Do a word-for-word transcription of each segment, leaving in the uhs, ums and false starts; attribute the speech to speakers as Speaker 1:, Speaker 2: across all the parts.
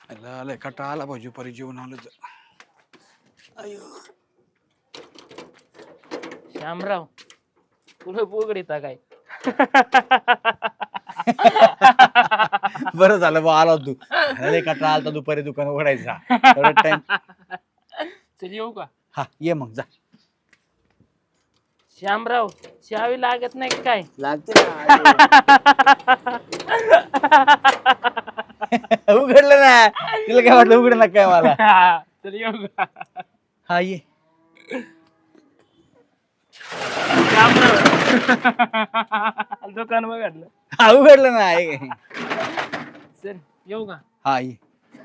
Speaker 1: आला लय कटाळा आला भाऊ परी जेवण आलं तर. अयो
Speaker 2: श्यामराव तुला पोगडीता काय?
Speaker 1: बरं झालं बा आला तू. लय कटाळा आलता दुपारी दुकान उघडायचा. थोडा टाइम.
Speaker 2: चल येऊ का?
Speaker 1: हा ये मग जा.
Speaker 2: श्यामराव चावी लागत नाही काय?
Speaker 1: लागते उघडलं ना. तिला काय वाटलं उघड ना काय मला.
Speaker 2: चल येऊ का?
Speaker 1: हा ये.
Speaker 2: श्यामराव दुकान बघडलं.
Speaker 1: हा उघडलं ना. ये.
Speaker 2: चल येऊ का?
Speaker 1: हा ये.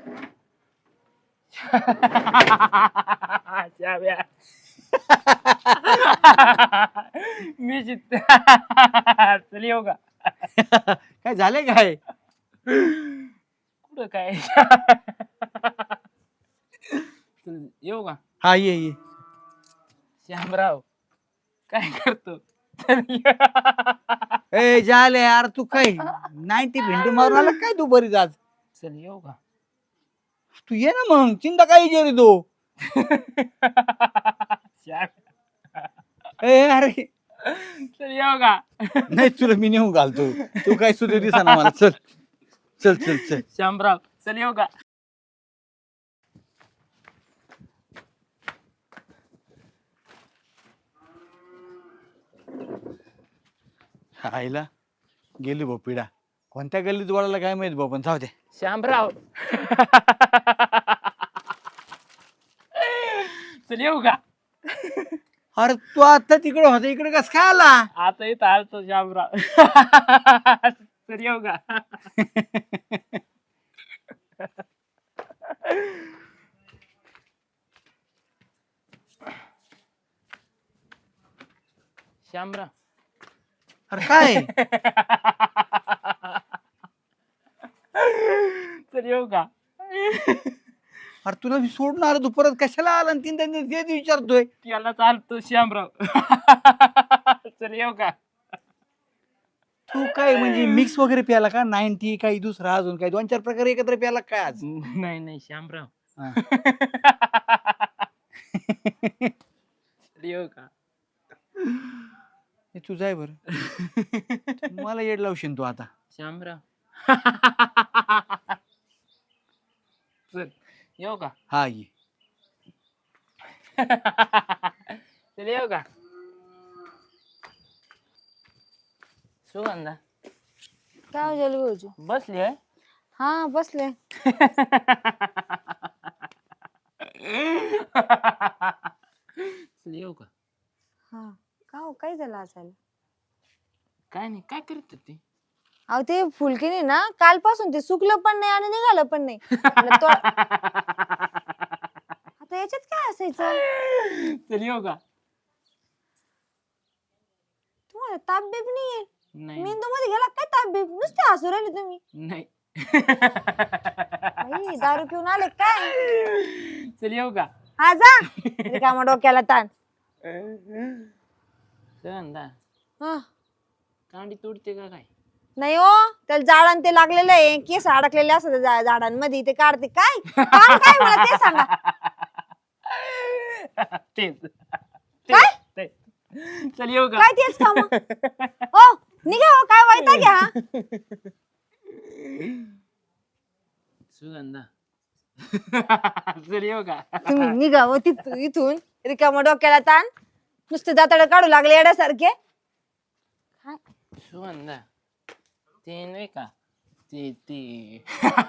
Speaker 2: चाव्या मी जित चल येऊ का?
Speaker 1: काय झालंय काय?
Speaker 2: कुठं काय? चल येऊ का?
Speaker 1: हा ये ये.
Speaker 2: श्यामराव काय करतो?
Speaker 1: ए झाले यार तू काय नाईन्टी भेंडी मारून आला काय तू बरीच आज?
Speaker 2: चल येऊ का?
Speaker 1: तू ये ना मग चिंता काय रे तू. ए अरे
Speaker 2: चल येऊ का?
Speaker 1: नाही तुला मी नेऊन घालतो. तू काय सुधीर दिसा ना मला. चल चल चल चल.
Speaker 2: श्यामराव चल येऊ का?
Speaker 1: आईला गेली भाऊ पिढा. कोणत्या गल्लीत वळाला काय माहित भाऊ पण जाऊ दे.
Speaker 2: श्यामराव चल येऊ का?
Speaker 1: अरे तू आता तिकडे होता इकडे कस काय आला?
Speaker 2: आता इथं आलतो श्यामराव. चल येऊ का? श्यामराव
Speaker 1: अरे काय?
Speaker 2: चल येऊ का?
Speaker 1: अरे तुला मी सोडून आलो तू परत कशाला आला आणि तीन तीन तेच विचारतोय.
Speaker 2: त्याला चालतो श्यामराव. चल येऊ का?
Speaker 1: तू काय म्हणजे मिक्स वगैरे प्याला का? नाईन्टी काही दुसरा अजून काही दोन चार प्रकार एकत्र प्याला काय आज?
Speaker 2: नाही नाही श्यामराव.
Speaker 1: हा.
Speaker 2: चल येऊ का?
Speaker 1: हे तुझं आहे बरं. मला येड लावशील तू आता.
Speaker 2: श्यामराव चल येऊ का?
Speaker 1: हा ये.
Speaker 2: चल येऊ का? सुगंधा
Speaker 3: काय हो जलू भाऊजी?
Speaker 2: बसली आहे.
Speaker 3: हा बसले.
Speaker 2: चल येऊ का?
Speaker 3: हा का हो काय झालं असायला?
Speaker 2: काय नाही काय करत होती?
Speaker 3: अहो ते फुलकीने ना कालपासून ते सुकलं पण नाही आणि निघालं पण नाही. म्हणलं तो- आता याच्यात काय असायचं?
Speaker 2: चल येऊ का?
Speaker 3: तुम्हाला ताप बीप नाहीये?
Speaker 2: नाही
Speaker 3: मेंदू मध्ये गेला काय ताप बीप? नुसते हसू राहिले तुम्ही.
Speaker 2: नाही.
Speaker 3: बाई, दारू पिऊन आले काय?
Speaker 2: चल येऊ का?
Speaker 3: हा जा. रिकामा डोक्याला ताण.
Speaker 2: सुगंधा
Speaker 3: हा
Speaker 2: कांडी तोडते का काय?
Speaker 3: नाही हो त्याला झाडां ते लागलेलं आहे. केस अडकलेले असतात त्या झाडांमध्ये ते काढते काय? काम काय मला ते सांगा.
Speaker 2: तेच
Speaker 3: काय?
Speaker 2: तेच. चल येऊ का?
Speaker 3: काय तेच काम? हो निघा हो काय वाईटा घ्या.
Speaker 2: सुगंधा चल येऊ का?
Speaker 3: तुम्ही निघा हो तिथून इथून रिकामा डोक्याला ताण. नुसते दाताडे काढू लागले येड्यासारखे. काय?
Speaker 2: सुगंधा ते नाही का ते ते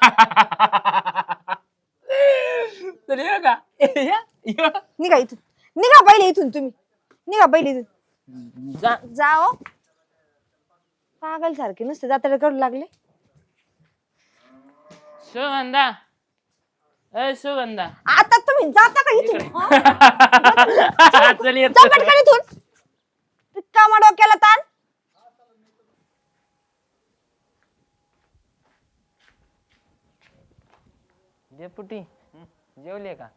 Speaker 2: चल येऊ का? या, या.
Speaker 3: निघा इथून. निघा पहिले इथून तुम्ही. निघा पहिले इथून.
Speaker 2: जा.
Speaker 3: जाओ पागल सारखे नुसते दाताडे काढू लागले.
Speaker 2: सुगंधा ए सुगंधा
Speaker 3: आता तुम्ही जाता का इथून? हा?
Speaker 2: चल येतो.
Speaker 3: जा पटकन इथून. रिकामा डोक्याला ताण.
Speaker 2: डेपुटी जेवले का?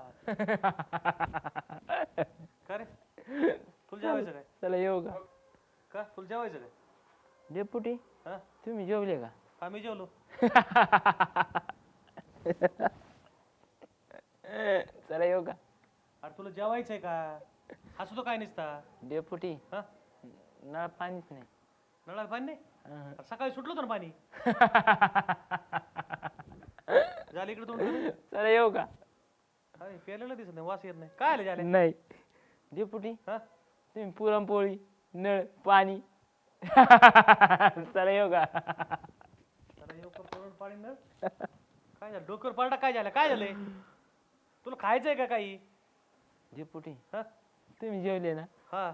Speaker 4: का रे फुल जेवायचं काय?
Speaker 2: चला येऊ का?
Speaker 4: का फुल जेवायचं काय?
Speaker 2: डेपुटी
Speaker 4: हा
Speaker 2: तुम्ही जेवले का?
Speaker 4: आम्ही जेवलो. जेवायचंय का हसू तो काय नसता
Speaker 2: डेपुटी
Speaker 4: हा
Speaker 2: नळ पाणीच नाही.
Speaker 4: नळाला पाणी नाही
Speaker 2: अहं.
Speaker 4: अरे सकाळी सुटलं होतं ना पाणी झालं इकडे तोंड
Speaker 2: चला येऊ का?
Speaker 4: काय प्यायलेलं दिसत नाही वास येत नाही काय आलं झाले
Speaker 2: नाही डेपुटी
Speaker 4: हा
Speaker 2: तुम्ही पुरणपोळी नळ पाणी चला येऊ का?
Speaker 4: जरा येऊ का पुरण पाणी न काय झालं डोक्यावर पालटा काय झालं काय झालंय तुला खायचंय का काही
Speaker 2: डेपुटी
Speaker 4: हा
Speaker 2: तुम्ही जेवले ना?
Speaker 4: हा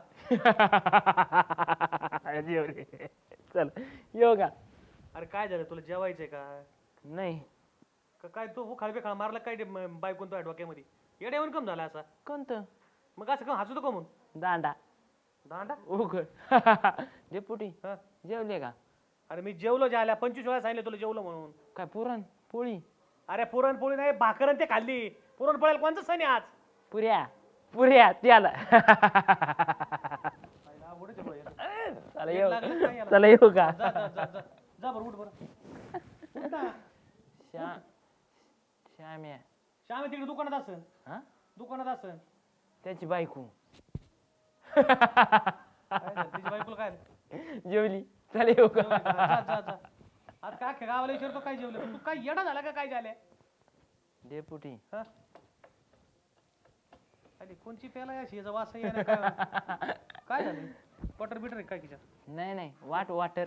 Speaker 2: जेवले. चला येऊ का?
Speaker 4: अरे काय झालं तुला जेवायचंय का
Speaker 2: नाही
Speaker 4: का काय तू हो खाळबे खाळ मारला काय बायकोन तुझ्या डोक्यामध्ये येड्या येऊन कम झाला असा
Speaker 2: कोणतं?
Speaker 4: मग असं कम हसू तो कमून
Speaker 2: दांडा
Speaker 4: दांडा
Speaker 2: उघड. डेपुटी
Speaker 4: हा
Speaker 2: जेवले का?
Speaker 4: अरे मी जेवलो ज्याला पंचवीस वेळा सांगितलं तुला जेवलो म्हणून
Speaker 2: काय पुरण पोळी
Speaker 4: अरे पुरणपोळी नाही भाकरन ते खाल्ली पुरणपोळ्याला कोणतं सण आहे आज
Speaker 2: पुऱ्या पुऱ्या त्याला.
Speaker 4: आवडच आहे बरं.
Speaker 2: चला
Speaker 4: एक
Speaker 2: येऊ
Speaker 4: लागलं काय याला?
Speaker 2: चला येऊ का?
Speaker 4: जा जा जा जा जा बरं उठ बरं उठ ना.
Speaker 2: श्या श्याम्या
Speaker 4: श्याम तिकडे दुकानात असन
Speaker 2: हा
Speaker 4: दुकानात असन
Speaker 2: त्याची बायको
Speaker 4: काय झालं? तिच्या बायकोला काय झालं?
Speaker 2: जेवली. चला येऊ
Speaker 4: जेवली
Speaker 2: का?
Speaker 4: का? जा जा जा आज काय अख्ख्या गावाला विचारतो काय जेवलं तू काय येडा झाला का काय झालं
Speaker 2: डेपुटी
Speaker 4: हा अरे कोणची प्याला या शियाचा वास आहे ना काय काय झालं बटर बिटर आहे काय तिच्या
Speaker 2: नाही नाही वाट वाटर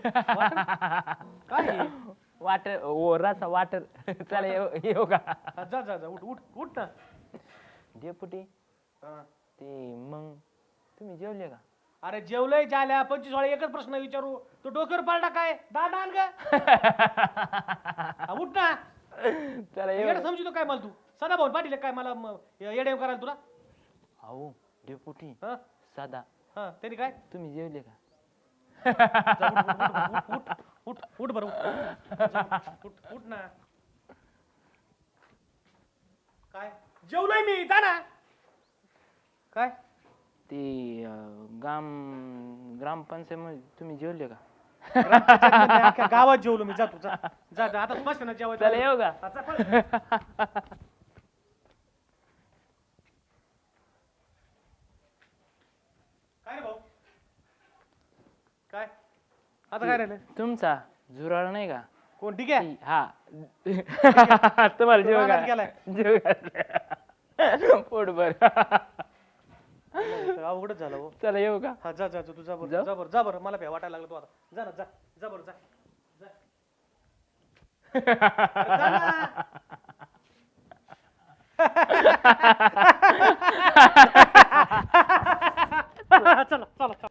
Speaker 4: काय आहे?
Speaker 2: वाटर ओ रसा वाटर. चला येऊ येऊ का?
Speaker 4: हा, जा जा जा उठ उठ उठ ना
Speaker 2: डेपुटी
Speaker 4: हा.
Speaker 2: ते मग तुम्ही जेवले का?
Speaker 4: अरे जेवलंय झाल्या पंचवीस वेळा एकच प्रश्न विचारू तू डोक्यावर पालटा काय दादा आण ग हा, उठ ना
Speaker 2: चला येऊ.
Speaker 4: येडा समजतो काय मला तू सदा भाऊ पाटील काय मला म- येडे करायला तुला
Speaker 2: अहो डेपुटी
Speaker 4: हा
Speaker 2: साधा
Speaker 4: हा त्यांनी काय
Speaker 2: तुम्ही जेवले का?
Speaker 4: जा, उठ, उठ, उठ, उठ, उठ, उठ बरं उठ. जा, उठ उठ ना काय जेवलोय मी जा ना काय
Speaker 2: ते अं, ग्राम ग्रामपंचायत तुम्ही जेवले का?
Speaker 4: ग्रामपंचायतमध्ये अख्ख्या गावात जेवलो मी जातो जा जा जा आता स्पष्ट ना जेवायचं
Speaker 2: चला येऊ का?
Speaker 4: हा, जा, पळ. काय रे भाऊ काय आता काय राहिलं
Speaker 2: तुमचा झुराळ नाही का?
Speaker 4: कोण ठीक आहे
Speaker 2: ती- हा तुम्हाला जेव
Speaker 4: रानात गेलाय.
Speaker 2: का? जेव का? पोटभर.
Speaker 4: अवघडच झालं हो
Speaker 2: चला येऊ का?
Speaker 4: हा जा जा जा, तू जा बरं
Speaker 2: जाऊ?
Speaker 4: जा बरं जा बरं मला भ्या वाटायला लागलं तू आता जा ना जा जा बरं जा जा. जा ना. चला चला चला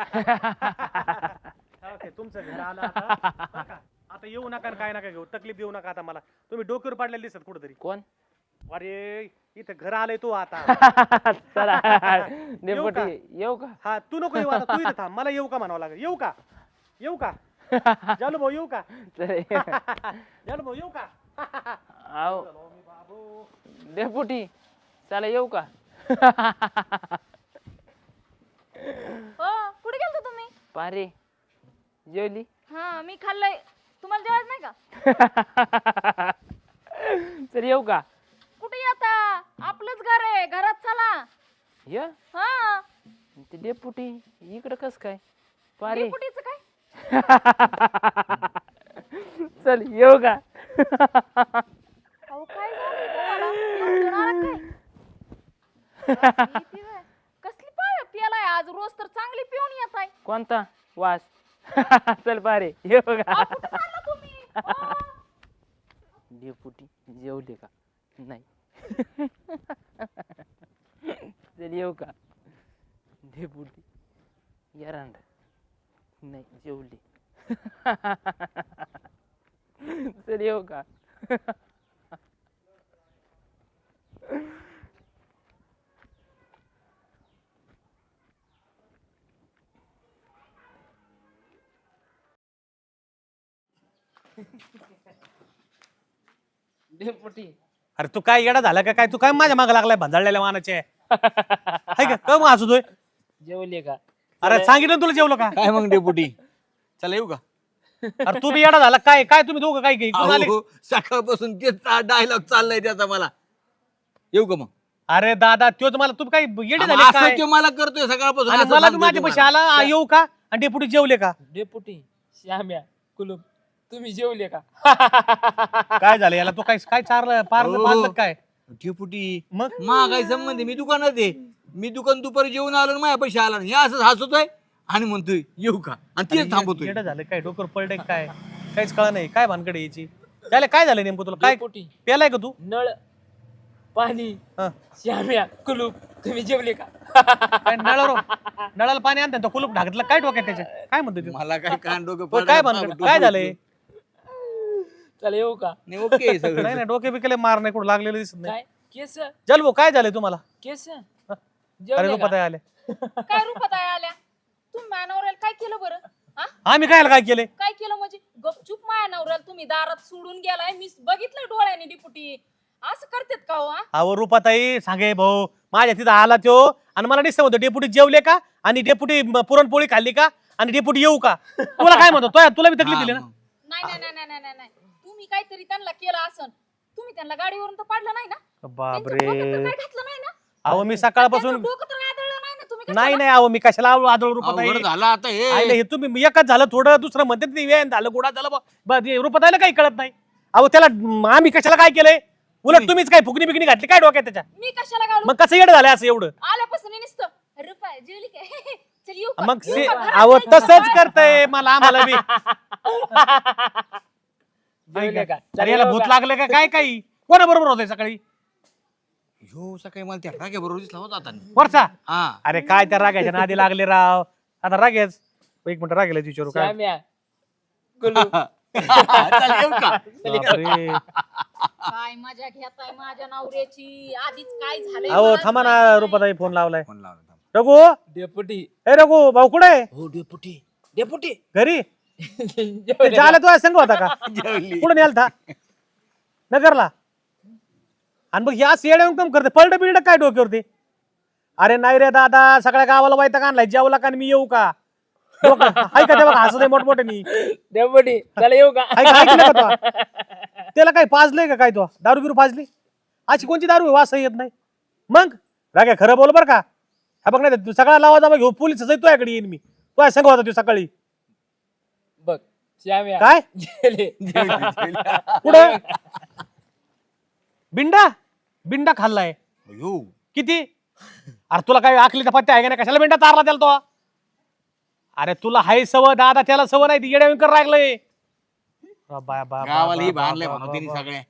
Speaker 4: ओके तुमचं घर आलं आता बरं का? आता येऊ नका आणि काय नका घेऊ तकलीफ देऊ नका आता मला तुम्ही डोक्यावर पाडलेले दिसत कुठेतरी
Speaker 2: कोण?
Speaker 4: अरे इथं घर आलंय तू आता
Speaker 2: चला डेपुटी येऊ का?
Speaker 4: हा तू नको येऊ आता तू इथं थांब मला येऊ का म्हणावं लागेल येऊ का येऊ का जालू भाऊ येऊ का
Speaker 2: चला येऊ.
Speaker 4: जालू भाऊ येऊ का
Speaker 2: आहो
Speaker 4: मी बाबू
Speaker 2: डेपुटी चला येऊ का?
Speaker 5: हो कुठे गेलतो तुम्ही?
Speaker 2: पारे जेवली.
Speaker 5: हा मी खाल्लंय. तुम्हाला जेवायचं नाही का?
Speaker 2: चल येऊ का?
Speaker 5: कुठे येता? आपलंच घर आहे, घरात चला.
Speaker 2: ये
Speaker 5: हा
Speaker 2: ते डेपुटी इकडं कस काय? पारे
Speaker 5: डेपुटीचं काय?
Speaker 2: चल येऊ का?
Speaker 5: अहो काय झालं तुम्हाला? एवढं आला काय? भीती व्हय. कसली पाय पियालाय आज रोज तर चांगली पिऊन येत आहे.
Speaker 2: कोणता वास? चल पारे येऊ का?
Speaker 5: अहो, कुठं चालला तुम्ही? हो.
Speaker 2: डेपुटी जेवले का? नाही. चल येऊ का? डेपुटी एरंड नाही जेवले. चल येऊ का? डेपुटी
Speaker 4: अरे तू काय येडा झाला का काय तू काय माझ्या मागे लागलाय भांजाळलेल्या मानाचे हाय का काय मग हसतोय
Speaker 2: जेवले का?
Speaker 4: अरे सांगितलं ना तुला जेवलो का
Speaker 1: काय मग डेपुटी चला येऊ का?
Speaker 4: अरे तू बी येडा झाला काय काय तुम्ही दोघं काय इकडून आले
Speaker 1: अहो, सकाळपासून तेच डायलॉग चाललाय त्याचा मला येऊ का मग?
Speaker 4: अरे दादा तोच मला तू काय येडे झाले
Speaker 1: असं
Speaker 4: काय
Speaker 1: तो मला करतोय सकाळपासून
Speaker 4: आणि
Speaker 1: असं
Speaker 4: मला
Speaker 1: सांगतोय
Speaker 4: माझ्या
Speaker 1: तो
Speaker 4: पैसे
Speaker 1: मला.
Speaker 4: आला आ, येऊ का आणि डेपुटी जेवले का
Speaker 2: डेपुटी श्याम्या कुलूप तुम्ही जेवले का?
Speaker 4: काय झालं याला तो काय काय चारलं पारलं
Speaker 1: हो.
Speaker 4: पाजलं काय
Speaker 1: डेपुटी
Speaker 4: मग
Speaker 1: मा काय संबंध आहे? मी दुकानात आहे मी दुकान दुपारी जेवून आलो आणि माझ्या पैसे आला नाही. हे असंच हसतोय आणि म्हणतोय येऊ का आणि तेच थांबवतोय.
Speaker 4: येडं झालं काय डोकर पडले काय काहीच कळलं नाही काय भानकडे यायची त्याला काय झालं नेमकं तुला काय
Speaker 2: डेपुटी
Speaker 4: पेलाय का तू
Speaker 2: नळ पाणी
Speaker 4: हं.
Speaker 2: श्याम्या कुलूप तुम्ही जेवले का?
Speaker 4: काय नळावर नळाला पाणी आणतात तो कुलूप ढाकतलं काय डोक्यात त्याच्या काय म्हणतो तू
Speaker 1: मला काय कान डोकं
Speaker 4: होय, काय भानगड काय झालंय
Speaker 2: चला येऊ का?
Speaker 1: नाही ओके आहे सगळं.
Speaker 4: नाही नाही डोके बिकेले मार नाही कुठं लागलेलं दिसत नाही
Speaker 2: काय केस
Speaker 4: चल भाऊ काय झालंय तुम्हाला
Speaker 2: केस
Speaker 4: अरे
Speaker 2: जेवले
Speaker 4: रुपात
Speaker 2: का?
Speaker 4: आले
Speaker 5: काय रूपात आहे आल्या तुम्ही माया नवऱ्याला काय केलं बरं हा
Speaker 4: आम्ही काय काय केले
Speaker 5: काय केलं म्हणजे गपचूप माया नवऱ्याला तुम्ही दारात सोडून गेलाय मी बघितलं डोळ्याने डिपुटी असं करतात का हो हा?
Speaker 4: अहो रुपाताई सांगे भाऊ माझ्या तिथं आला तो आणि मला दिसत होतं डेपुटी जेवले का आणि डेपुटी म- पुरणपोळी खाल्ली का आणि डेपुटी येऊ का तुला काय म्हणतो तो- तुला बी तकलीफ दिली ना
Speaker 1: हा, मग.
Speaker 5: नाही नाही नाही नाही नाही नाही तुम्ही काहीतरी त्यांना केलं असन तुम्ही त्यांना गाडीवरून तर पाडलं नाही ना त्यांच्या
Speaker 4: बापरे
Speaker 5: डोक्यात तर काय घातलं नाही ना
Speaker 4: अहो मी सकाळपासून
Speaker 5: त्यांचं डोकं तर आदळलं नाही ना तुम्ही
Speaker 4: नाही
Speaker 5: कशाला-
Speaker 4: नाही अहो मी कशाला आदळ रुपाताई
Speaker 1: अवघड झालं आता
Speaker 4: आईला
Speaker 1: हे
Speaker 4: हे तुम्ही एकच झालं थोडं दुसरं म्हणते ते वेळ झालं गोडा झालं बा- बा- हे रुपाताईला काही कळत नाही अहो त्याला म, आम्ही कशाला काय केलंय उलट तुम्हीच काय फुगणी बिगणी घातली काय डोक्यात त्याच्या
Speaker 5: मी कशाला घालू
Speaker 4: मग कसं येड झालं असं एवढं
Speaker 5: आल्यापासून नुसतं रुपये जेवली काय चल येऊ का?
Speaker 4: मग
Speaker 5: येऊ
Speaker 4: से-
Speaker 5: का? घरात
Speaker 4: अहो
Speaker 5: जायचं
Speaker 4: तसंच
Speaker 5: का?
Speaker 4: करतय मला आम्हाला बी
Speaker 2: जेवले का?
Speaker 4: अरे याला
Speaker 2: चला
Speaker 4: भूत
Speaker 2: येऊ का?
Speaker 4: लागलं का काय काही कोणाबरोबर होतंय सकाळी
Speaker 1: ह्यो सकाळी मला त्या राग्या बरोबर दिसला होता आता.
Speaker 4: वरचा
Speaker 1: हा
Speaker 4: अरे काय त्या रागाच्या नादी लागले राव आता रागेच एक मिनिट रागेला विचारू काय
Speaker 2: श्याम्या कुलूप
Speaker 1: चल येऊ का
Speaker 4: बापरे.
Speaker 5: काय मजा घेताय माझ्या नवऱ्याची आधीच काय झालंय
Speaker 4: अहो
Speaker 5: मलाच
Speaker 4: थांबा ना
Speaker 5: माहिती नाही.
Speaker 4: रुपाताई फोन लावलाय
Speaker 1: फोन लावला थांब.
Speaker 4: रघु
Speaker 2: डेपुटी
Speaker 4: ए रघु भाऊ कुठे आहे
Speaker 2: हो डेपुटी डेपुटी
Speaker 4: घरी
Speaker 2: जेवले का?
Speaker 4: झालं तो संघ होता का
Speaker 1: जेवली.
Speaker 4: कुठं नेलता नगरला आणि मग या येड्या काम करते पलट बिल्ड काय डोक्यावरती अरे नाही रे दादा सगळ्या गावाला वायता आणलाय जेवला का आणि मी येऊ का डोकं- हाय का तेव्हा हसत मोठमोठे मी
Speaker 2: डेपुटी चला येऊ का?
Speaker 4: ऐकलं का तो? त्याला काय पाजलंय का काय तो दारू बिरू पाजली अशी कोणती दारू आहे? वास येत नाही मग राग्या खरं बोल बर का हा बघ नाही तू सगळा लावा जावा घेऊ पोलीस तुझ्याकडे येईन मी तू सांग होता तू सकाळी
Speaker 2: बघ श्याम्या
Speaker 4: काय
Speaker 2: जेवले
Speaker 1: जेवली, जेवली.
Speaker 4: पुढं बिंडा बिंडा खाल्लाय
Speaker 1: अयो.
Speaker 4: किती अरे तुला काय आखलीचा पत्ता आहे का नाही कशाला बिंडा चारला त्याला तो अरे तुला हाय सव दादा त्याला सव नाही ती येड्याविंकर रागलंय बा- बा- बा-
Speaker 1: गावाला ही
Speaker 4: बा-
Speaker 1: बांधलंय
Speaker 4: बा-
Speaker 1: म्हणून तिने
Speaker 4: बा-
Speaker 1: सगळ्या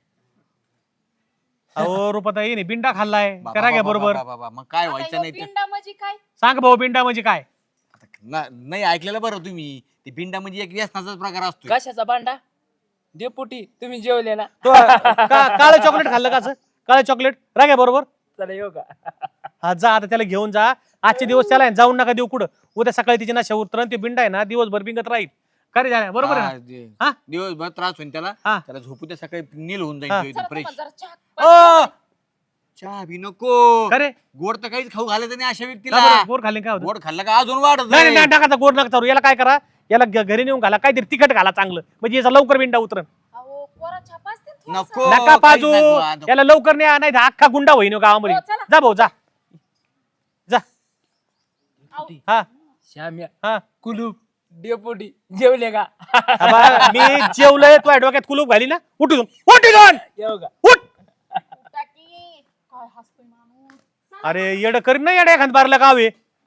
Speaker 4: अहो रुपाताई नाही बिंडा खाल्लाय
Speaker 1: बाबा,
Speaker 4: करा घ्या
Speaker 1: बाबा,
Speaker 4: बरोबर
Speaker 1: बाबा, बाबा, मग काय
Speaker 5: आता
Speaker 1: व्हायचं
Speaker 5: ह्यो
Speaker 1: नाही तर.
Speaker 5: पिंडा म्हणजे काय
Speaker 4: सांग भाऊ बिंडा म्हणजे काय
Speaker 1: आता ना- नाही ऐकलेलं बरं तुम्ही ते पिंडा म्हणजे एक व्यसनाचाच प्रकार असतो
Speaker 2: कशाचा भांडा डेपुटी तुम्ही जेवले ना
Speaker 4: तो का- काळं चॉकलेट खाल्लं का असं काळं चॉकलेट राग्या बरोबर
Speaker 2: चला येऊ का?
Speaker 4: हा जा आता त्याला घेऊन जा आजचे दिवस त्याला आहे, जाऊन नका देऊ कुठं उद्या सकाळी तिची नशा उतरण ते बिंडा आहे ना दिवसभर बिंगत राहील का रे झाल्या बरोबर आहे
Speaker 1: हा,
Speaker 4: ना?
Speaker 1: जे-
Speaker 4: हा?
Speaker 1: दिवसभर त्रास होईल त्याला
Speaker 4: हा.
Speaker 1: त्याला झोपू त्या सकाळी नील होऊन
Speaker 4: हा.
Speaker 1: जाईल तो एकदम
Speaker 5: चला
Speaker 1: फ्रेश
Speaker 5: तुम्हाला जरा चहा
Speaker 4: ओ
Speaker 5: पाहिजे.
Speaker 1: चहा बी नको
Speaker 4: का रे
Speaker 1: गोड तर काहीच खाऊ घालायचं नाही अशा
Speaker 4: का
Speaker 1: व्यक्तीला
Speaker 4: बरं? गोड खाल्ले काय होतं
Speaker 1: गोड खाल्लं का अजून वाढत
Speaker 4: नाही नाही,
Speaker 1: जाईल.
Speaker 4: नाही टाकायचा गोड नका चालू याला काय करा याला घ- घरी नेऊन घाला काहीतरी तिखट घाला चांगलं म्हणजे याचा लवकर बिंडा उतरण
Speaker 5: अहो कोरा चहा पाजते ना थोडासा.
Speaker 1: नको
Speaker 4: नका
Speaker 1: काहीच
Speaker 4: पाजू
Speaker 1: नको, हा, नको.
Speaker 4: याला लवकर नाही नाही अख्खा गुंडा होईन हो गावामध्ये
Speaker 5: हो, चला.
Speaker 4: जा भाऊ जा जा हा
Speaker 2: श्याम्या
Speaker 4: हा
Speaker 2: कुलूप डेपुटी जेवले का?
Speaker 4: आबा, मी जेवलंय तुझ्या डोक्यात कुलूप घाली ना उठून उठून
Speaker 2: येऊ का?
Speaker 4: उठ
Speaker 5: टाकी. काय हसतोय माणूस
Speaker 4: अरे येड करीन ना येड्या एखाद बारला गाव आहे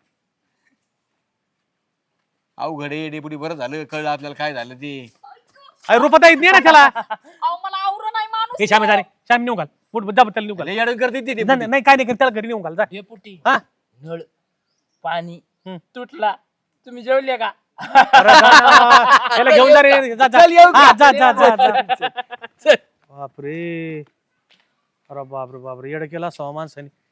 Speaker 1: अवघड आहे डेपुटी बरं झालं कळलं आपल्याला काय झालं ते
Speaker 4: अरे रुपता येत नाही ना त्याला
Speaker 5: अहो मला आवरण नाही माणूस
Speaker 4: हे श्यामे जा रे श्याम नेऊन घाल उठ जा त्याला नेऊन घाल
Speaker 1: लय येडं करते ते
Speaker 4: नाही,
Speaker 1: डेपुटी.
Speaker 4: नाही काय नाही कर, त्याला घरी नेऊन घाल जा
Speaker 2: डेपुटी
Speaker 4: हा
Speaker 2: नळ पाणी
Speaker 4: हम्म.
Speaker 2: तुटला तुम्ही जेवले का?
Speaker 4: अरे जा ना, त्याला घेऊन जा रे जा जा
Speaker 1: चल, येऊ का?
Speaker 4: हा, जा जा जा जा बापरे अरे बापरे बापरे येड केला सहा माणसाने